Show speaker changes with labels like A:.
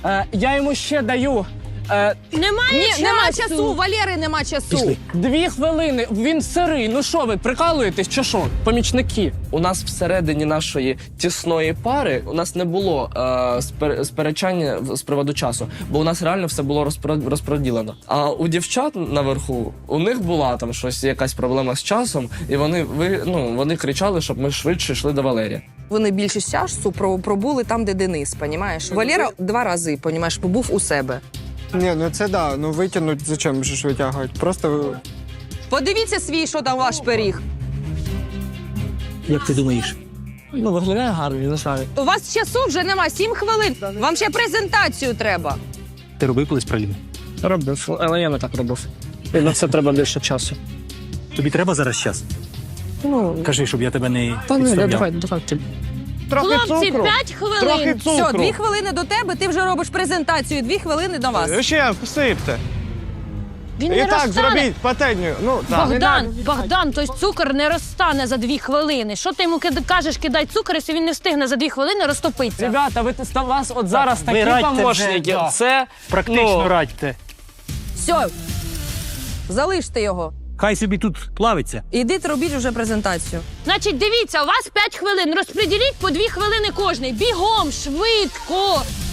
A: Я йому ще даю.
B: Нема часу, Валери нема часу.
C: Пішли.
A: 2 хвилини, він сирий. Ну що ви, прикалуєтесь чи що? Помічники.
D: У нас всередині нашої тісної пари у нас не було сперечання з приводу часу, бо у нас реально все було розподілено. А у дівчат наверху, у них була там щось, якась проблема з часом, і вони кричали, щоб ми швидше йшли до Валерія.
B: Вони більшість часу пробули там, де Денис, понімаєш? Валера 2 рази, понімаєш, побув у себе.
E: Ні, ну це да, ну витягнуть, зачем же ж витягують? Просто
B: Подивіться свій, що там ваш пиріг.
C: Як ти думаєш?
A: Ну, виглядає гарно, не знаю.
B: У вас часу вже нема, 7 хвилин. Вам ще презентацію треба.
C: Ти робив колись праліни?
A: Робив, але я не так робив. І на це треба більше часу.
C: Тобі треба зараз час?
A: Ну,
C: Кажи, щоб я тебе не
A: та ні,
C: підставляв.
A: давай.
F: Хлопці, 5 хвилин.
B: Все, 2 хвилини до тебе, ти вже робиш презентацію, 2 хвилини до вас.
E: ще посипте.
F: Він
E: І
F: не
E: так
F: розтане.
E: зробіть пательню. Ну так.
F: Богдан, той цукор не розтане за 2 хвилини. Що ти йому кажеш, кидай цукор, якщо він не встигне за 2 хвилини розтопитися?
A: Ребята, у вас от зараз
C: ви
A: такі
C: радьте
A: помощники.
C: вже, да.
A: Це
C: Практично радьте.
B: Все, залиште його.
C: Хай собі тут плавиться.
B: Ідіть, робіть вже презентацію.
F: Значить, дивіться, у вас 5 хвилин. Розподіліть по 2 хвилини кожний. Бігом, швидко.